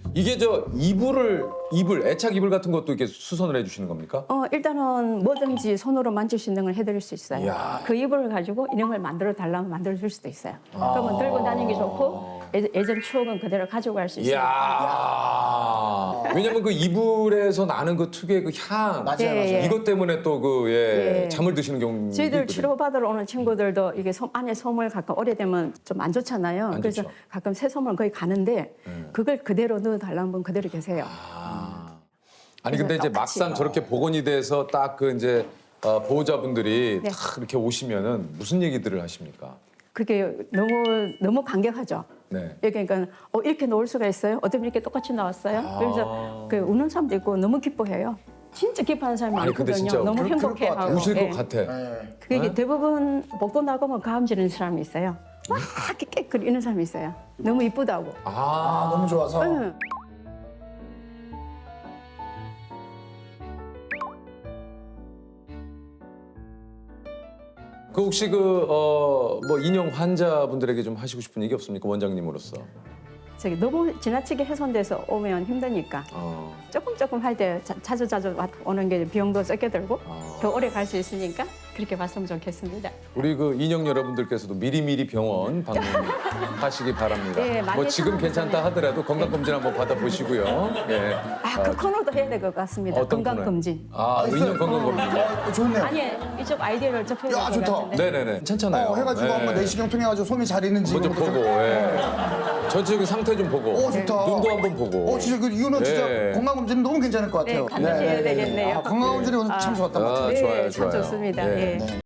이게 저 이불 애착 이불 같은 것도 이렇게 수선을 해주시는 겁니까? 일단은 뭐든지 손으로 만질 수 있는 걸 해드릴 수 있어요. 이야. 그 이불을 가지고 이런 걸 만들어 달라면 만들어 줄 수도 있어요. 그러면 들고 다니기 좋고 예전 추억은 그대로 가져갈 수 있어요. 이야. 왜냐면 그 이불에서 나는 그 특유의 그 향. 맞아요, 예, 맞아요. 예. 이것 때문에 또 그 예. 잠을 드시는 경우. 저희들 치료받으러 오는 친구들도 이게 안에 솜을 가끔 오래되면 좀 안 좋잖아요. 안 그래서 좋죠. 가끔 새 솜을 거의 가는데 그걸 그대로 넣어달라는 분 그대로 계세요. 아니 근데 이제 똑같이. 막상 저렇게 복원이 돼서 딱 그 이제 보호자분들이 네. 딱 이렇게 오시면은 무슨 얘기들을 하십니까? 그게 너무 감격하죠. 네. 그러니까 이렇게 놓을 수가 있어요? 어쩜 이렇게 똑같이 나왔어요? 그래서 그 우는 사람도 있고 너무 기뻐해요. 진짜 기뻐하는 사람이 아니, 근데 많거든요. 진짜 너무 그럴 것 행복해하고. 같아요. 우실 예. 것 같아. 네. 그게 대부분 복도 나가면 가음 지르는 사람이 있어요. 막 이렇게 깨끗이는 사람이 있어요. 너무 이쁘다고. 아, 너무 좋아서. 응. 그 혹시 뭐 인형 환자분들에게 좀 하시고 싶은 얘기 없습니까? 원장님으로서. 저기 너무 지나치게 훼손돼서 오면 힘드니까 조금 할 때 자주 오는 게 비용도 적게 들고 더 오래 갈 수 있으니까 그렇게 봤으면 좋겠습니다. 우리 그 인형 여러분들께서도 미리미리 병원 방문하시기 바랍니다. 네, 많이 뭐 지금 괜찮다 하더라도 건강검진 한번 받아보시고요. 예. 그 코너도 해야 될 것 같습니다. 어떤 건강검진. 인형 건강검진. 좋네요. 아니 이쪽 아이디어를 접해야 야, 될 것 좋다. 같은데. 네네네. 괜찮잖아요. 해가지고 예. 한번 내시경 통해가지고 솜이 잘 있는지 먼저 이런 것도 보고, 좀- 예. 전체적인 상태 좀 보고. 좋다. 눈도 한번 보고. 진짜 이거는 진짜 예. 건강검진 너무 괜찮을 것 같아요. 네, 같이 해야 되겠네요. 건강검진이 오늘 참 좋았던 것 같아요. 아, 네, 좋아요, 참 좋아요. 좋습니다. 예. 예.